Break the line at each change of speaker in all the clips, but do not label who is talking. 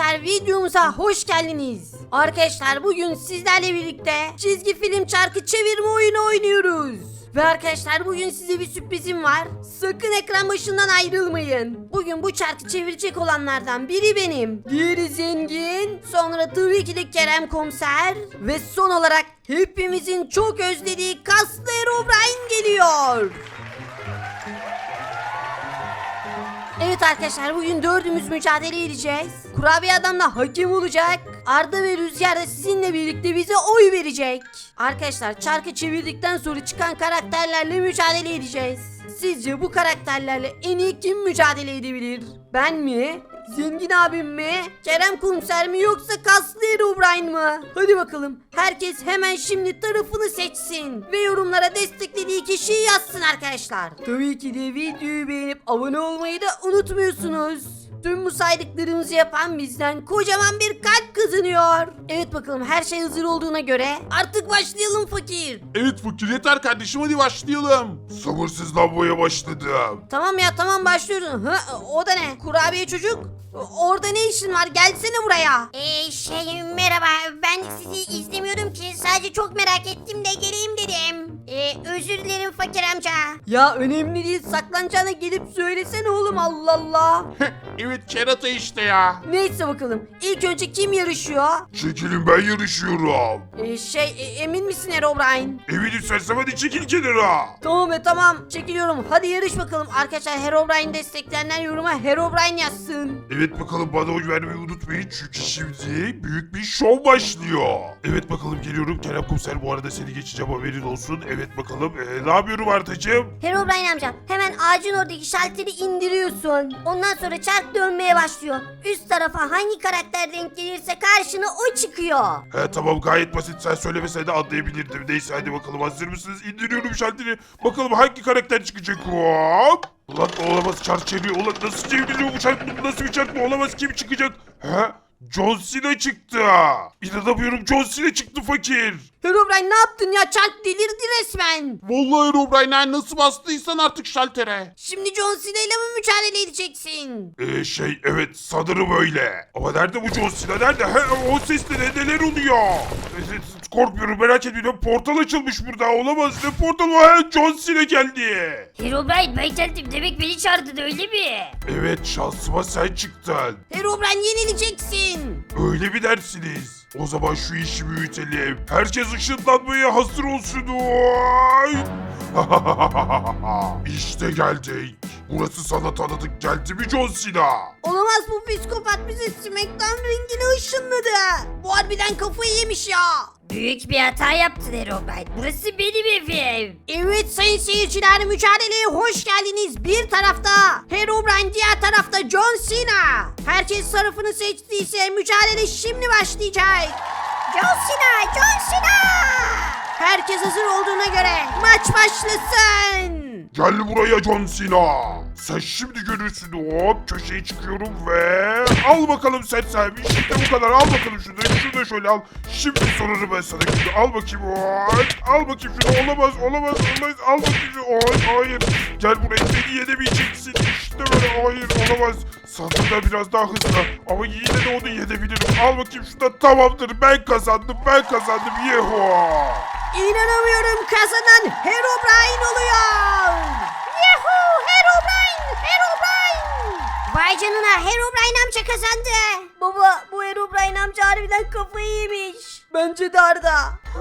Arkadaşlar videomuza hoş geldiniz. Arkadaşlar bugün sizlerle birlikte çizgi film çarkı çevirme oyunu oynuyoruz. Ve arkadaşlar bugün size bir sürprizim var. Sakın ekran başından ayrılmayın. Bugün bu çarkı çevirecek olanlardan biri benim. Diğeri Zengin. Sonra tabii ki de Kerem Komiser. Ve son olarak hepimizin çok özlediği kaslı Herobrine geliyor. Evet arkadaşlar bugün dördümüz mücadele edeceğiz. Kurabiye adam da hakem olacak. Arda ve Rüzgar da sizinle birlikte bize oy verecek. Arkadaşlar çarkı çevirdikten sonra çıkan karakterlerle mücadele edeceğiz. Sizce bu karakterlerle en iyi kim mücadele edebilir? Ben mi? Zengin abim mi? Kerem Komiser mi yoksa kaslı Herobrine mı? Hadi bakalım. Herkes hemen şimdi tarafını seçsin. Ve yorumlara desteklediği kişiyi yazsın arkadaşlar. Tabii ki de videoyu beğenip abone olmayı da unutmuyorsunuz. Tüm bu saydıklarımızı yapan bizden kocaman bir kalp kazanıyor. Evet bakalım her şey hazır olduğuna göre artık başlayalım fakir.
Evet fakir yeter kardeşim hadi başlayalım. Sabırsızlanmaya başladım.
Tamam ya tamam başlıyoruz. O da ne? Kurabiye çocuk? Orada ne işin var? Gelsene buraya.
Merhaba, ben sizi izlemiyordum ki, sadece çok merak ettim de geleyim dedim. Özür dilerim fakir amca.
Ya önemli değil, saklanacağına gelip söylesene oğlum, Allah Allah.
Evet kerata işte ya.
Neyse bakalım ilk önce kim yarışıyor?
Çekilin ben yarışıyorum.
Emin misin Herobrine?
Eminim sersem hadi çekil kenara.
Tamam tamam çekiliyorum, hadi yarış bakalım. Arkadaşlar Herobrine destekleyenler yoruma Herobrine yazsın.
Evet bakalım bana oy vermeyi unutmayın çünkü şimdi büyük bir şov başlıyor. Evet bakalım geliyorum Kerem Komiser bu arada seni geçeceğim haberin olsun. Evet bakalım ne yapıyorum Ardacığım?
Herobrine amca, hemen ağacın oradaki şalteri indiriyorsun. Ondan sonra çark dönmeye başlıyor. Üst tarafa hangi karakter denk gelirse karşına o çıkıyor.
He tamam gayet basit sen söylemesen de anlayabilirdim. Neyse hadi bakalım hazır mısınız? İndiriyorum şalteri. Bakalım hangi karakter çıkacak? Hop. Ulan olamaz çark çeviriyor. Ulan nasıl çevriliyor bu çark? Bu nasıl bir çark? Bu olamaz kim çıkacak? He? John Cena çıktı. İnanamıyorum John Cena çıktı fakir.
Herobrine ne yaptın ya, çark delirdi resmen.
Vallahi Herobrine nasıl bastıysan artık şaltere.
Şimdi John Cena ile mi mücadele edeceksin?
Evet sanırım öyle. Ama nerede bu John Cena nerede? He, o sesle neler oluyor? Korkmuyorum merak etmeyin. Portal açılmış burada olamaz. Ne portal var? He, John Cena geldi.
Herobrine, ben geldim demek, beni çağırdın öyle mi?
Evet şansıma sen çıktın.
Herobrine yenileceksin.
Öyle mi dersiniz? O zaman şu işi büyütelim. Herkes ışınlanmaya hazır olsun. Oy! İşte geldik. Burası sana tanıdık geldi mi John Cena?
Olamaz, bu psikopat bizi SmackDown ringine ışınladı. Bu harbiden kafayı yemiş ya.
Büyük bir hata yaptın Herobrine. Burası benim evim.
Evet sayın seyirciler, mücadeleye hoş geldiniz. Bir tarafta Herobrine, diğer tarafta John Cena. Herkes tarafını seçtiyse mücadele şimdi başlayacak.
John Cena, John Cena.
Herkes hazır olduğuna göre maç başlasın.
Gel buraya John Cena. Sen şimdi görürsün. Hop köşeye çıkıyorum ve al bakalım sen sahibi. İşte bu kadar. Al bakalım şunu. Şunu da şöyle al. Şimdi sorarım ben sana. Şimdi al bakayım. Hop. Al bakayım şunu. Olamaz. Al bakayım şunu. Hop. Hayır. Gel buraya. Beni yenemeyeceksin. İşte böyle. Hayır. Olamaz. Sandığımda biraz daha hızlı. Ama yine de onu yenebilirim. Al bakayım şunu. Tamamdır. Ben kazandım. Yeho.
İnanamıyorum, kazanan Herobrine oluyor.
Yahoo! Herobrine! Vay canına, Herobrine amca kazandı.
Baba, bu Herobrine amca harbiden kafayı yemiş. Bence de Arda.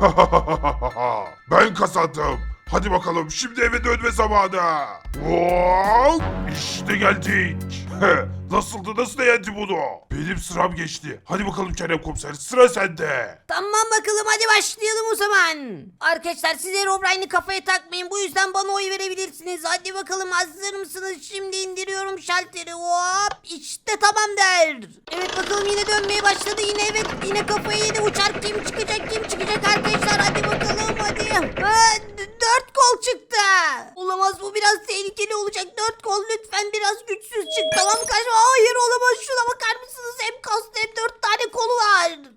Ben kazandım. Hadi bakalım şimdi eve dönme zamanı. Hop, İşte geldik. Nasıl da yendi bunu? Benim sıram geçti. Hadi bakalım Kerem Komiser sıra sende.
Tamam bakalım, hadi başlayalım o zaman. Arkadaşlar siz Herobrine'i kafaya takmayın, bu yüzden bana oy verebilirsiniz. Hadi bakalım, hazır mısınız? Şimdi indiriyorum şalteri. Hop, işte tamam der. Evet bakalım, yine dönmeye başladı. Yine kafayı yedi. Uçar, kim çıkacak arkadaşlar? Hadi bakalım hadi. Dört kol çıktı. Olamaz, bu biraz tehlikeli olacak. Dört kol lütfen biraz güçsüz çık. Tamam kaçma. Hayır olamaz, şuna bakar mısınız? Hem kaslı hem 4 tane kolu var.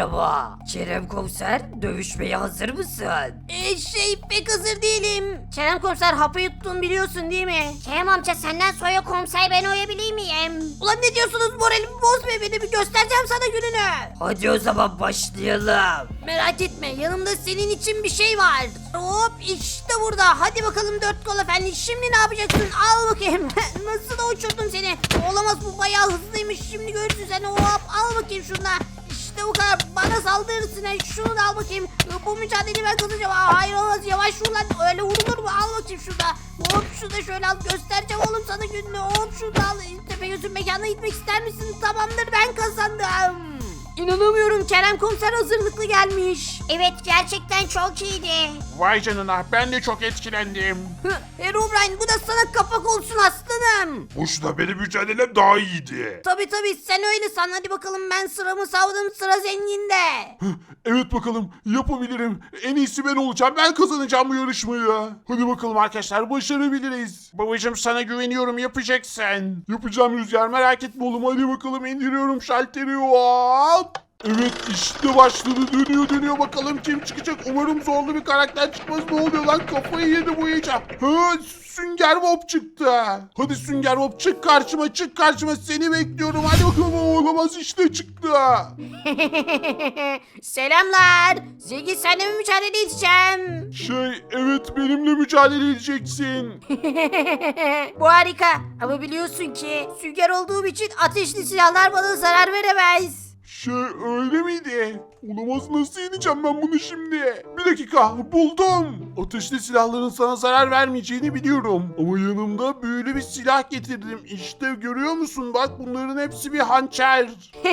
Merhaba. Kerem Komiser, dövüşmeye hazır mısın?
Pek hazır değilim. Kerem komiser hapı yuttun biliyorsun değil mi?
Kerem amca senden sonra komiser ben oyabileyim miyim?
Ulan ne diyorsunuz, moralimi bozma beni, bir göstereceğim sana gününü.
Hadi o zaman başlayalım.
Merak etme, yanımda senin için bir şey var. Hop işte burada. Hadi bakalım dört kol efendi, şimdi ne yapacaksın? Al bakayım. Nasıl da uçurdum seni. Olamaz, bu bayağı hızlıymış, şimdi görürsün sen. Hop al bakayım şunu. İşte bu kadar, bana saldırırsın. Şunu da al bakayım. Bu mücadeleyi ben kazanacağım. Hayır olmaz, yavaş vur lan, öyle vurulur mu? Al bakayım şurada. Hop şunu da şöyle al, göstereceğim oğlum sana gününü. Hop şunu da al. Tepegöz'ün mekanına gitmek ister misin? Tamamdır, ben kazandım. İnanamıyorum, Kerem komiser hazırlıklı gelmiş.
Evet gerçekten çok iyiydi.
Vay canına, ben de çok etkilendim.
Herobrine, bu da sana kapak olsun aslanım.
Boşuna, benim mücadelem daha iyiydi.
Tabi sen öyle san. Hadi bakalım, ben sıramı savdım, sıra zenginde.
Evet bakalım, yapabilirim. En iyisi ben olacağım. Ben kazanacağım bu yarışmayı. Hadi bakalım arkadaşlar, başarabiliriz. Babacım sana güveniyorum, yapacaksın. Yapacağım Rüzgar, merak etme oğlum. Hadi bakalım, indiriyorum şalteri. Hop. Evet işte başladı, dönüyor bakalım kim çıkacak. Umarım zorlu bir karakter çıkmaz. Ne oluyor lan, kafayı yedi bu iyice. Sünger Bob çıktı. Hadi Sünger Bob, çık karşıma, seni bekliyorum. Hadi bakalım. Olamaz, işte çıktı.
Selamlar. Zengin, seninle mi mücadele edeceğim?
Evet, benimle mücadele edeceksin.
Bu harika. Ama biliyorsun ki sünger olduğum için ateşli silahlar bana zarar veremez.
Öyle miydi? Olamaz, nasıl yeneceğim ben bunu şimdi? Bir dakika, buldum. Ateşli silahların sana zarar vermeyeceğini biliyorum. Ama yanımda büyülü bir silah getirdim. İşte görüyor musun? Bak, bunların hepsi bir hançer.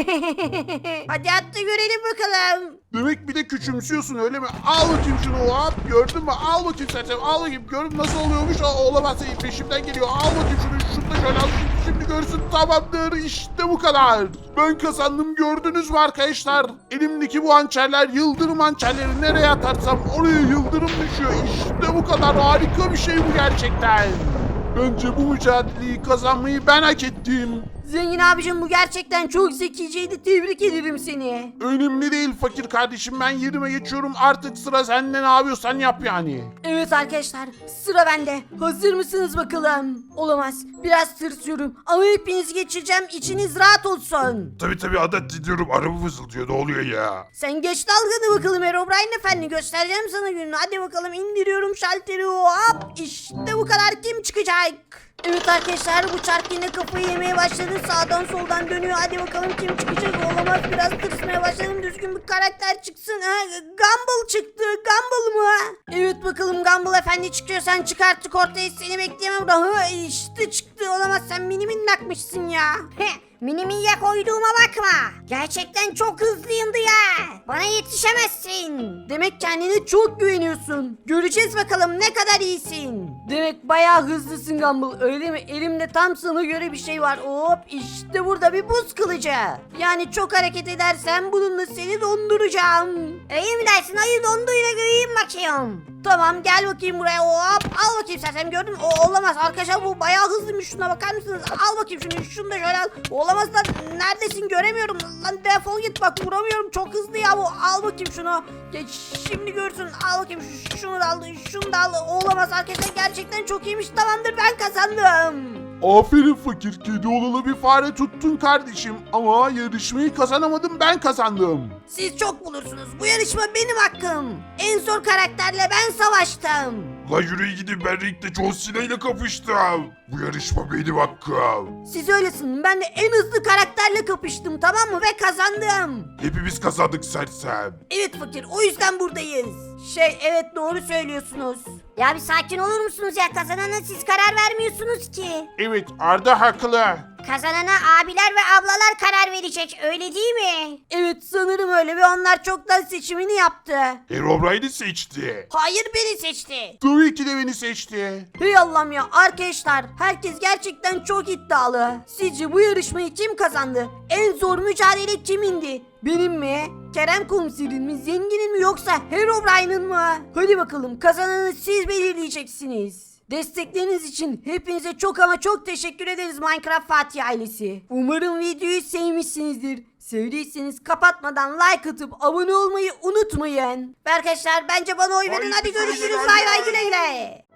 Hadi at da görelim bakalım.
Demek bir de küçümsüyorsun öyle mi? Al bakayım şunu, hop, gördün mü? Al bakayım sen, al bakayım. Gördün nasıl oluyormuş? Olamaz, peşimden geliyor. Al bakayım şunu da şöyle al. Şimdi görsün, tamamdır, işte bu kadar. Ben kazandım, gördünüz mü arkadaşlar? Elimdeki bu hançerler yıldırım hançerleri, nereye atarsam oraya yıldırım düşüyor. İşte bu kadar, harika bir şey bu gerçekten. Bence bu mücadeleyi kazanmayı ben hak ettim.
Zengin abicim, bu gerçekten çok zekiceydi. Tebrik ederim seni.
Önemli değil fakir kardeşim, ben yerime geçiyorum, artık sıra sende, ne yapıyorsan yap yani.
Evet arkadaşlar, sıra bende. Hazır mısınız bakalım? Olamaz, biraz tırsıyorum ama hepinizi geçireceğim, içiniz rahat olsun.
Tabi adet diyorum, araba fısıldıyor, ne oluyor ya?
Sen geç dalganı bakalım Herobrine efendi, göstereceğim sana gününü. Hadi bakalım, indiriyorum şalteri, hop işte bu kadar, kim çıkacak? Evet arkadaşlar, bu çark yine kafayı yemeye başladı, sağdan soldan dönüyor. Hadi bakalım kim çıkacak? Olamaz, biraz tırsmaya başladım, düzgün bir karakter çıksın. Gumball çıktı, Gumball mı? Evet bakalım, Gumball efendi çıkıyor, sen çık artık ortaya, seni bekleyemem burada. İşte çıktı, olamaz, sen mini minnakmışsın ya.
Mini minnak koyduğuma bakma. Gerçekten çok hızlıyımdı ya. Bana yetişemezsin.
Demek kendine çok güveniyorsun. Göreceğiz bakalım ne kadar iyisin. Demek bayağı hızlısın Gumball, öyle mi? Elimde tam sana göre bir şey var. Hop işte burada bir buz kılıcı. Yani çok hareket edersen bununla seni donduracağım.
Öyle mi dersin? Hayır, donduyla göreyim bakayım.
Tamam, gel bakayım buraya, hop al bakayım sen gördün mü? Olamaz arkadaşlar, bu bayağı hızlıymış, şuna bakar mısınız? Al bakayım şunu da şöyle al. Olamaz lan, neredesin, göremiyorum lan, defol git, bak vuramıyorum, çok hızlı ya bu. Al bakayım şunu, geç şimdi görsün. Al bakayım şunu da al, şunu da al. Olamaz arkadaşlar, gerçekten çok iyiymiş. Tamamdır, ben kazandım.
Aferin fakir, kedi olalı bir fare tuttun kardeşim. Ama yarışmayı kazanamadım, ben kazandım.
Siz çok bulursunuz, bu yarışma benim hakkım. En zor karakterle ben savaştım.
La yürüyün gidin, ben ringde John Cena ile kapıştım. Bu yarışma benim hakkım.
Siz öylesin, ben de en hızlı karakterle kapıştım, tamam mı, ve kazandım.
Hepimiz kazandık sersem.
Evet fakir, o yüzden buradayız. Evet, doğru söylüyorsunuz.
Ya bir sakin olur musunuz ya? Kazanana siz karar vermiyorsunuz ki.
Evet, Arda haklı.
Kazanana abiler ve ablalar karar verecek, öyle değil mi?
Evet, sanırım öyle ve onlar çoktan seçimini yaptı.
Herobrine'i seçti.
Hayır, beni seçti.
Tabii ki de beni seçti.
Hey Allah'ım ya, arkadaşlar herkes gerçekten çok iddialı. Sizce bu yarışmayı kim kazandı? En zor mücadele kimindi? Benim mi? Kerem komiserin mi? Zenginin mi, yoksa Herobrine'ın mı? Hadi bakalım, kazananı siz belirleyeceksiniz. Destekleriniz için hepinize çok ama çok teşekkür ederiz Minecraft Fatih ailesi. Umarım videoyu sevmişsinizdir. Sevdiyseniz kapatmadan like atıp abone olmayı unutmayın. Ve arkadaşlar bence bana oy verin.
Haydi
Hadi görüşürüz.
görüşürüz,
Bay bay
bay bay.
güle güle.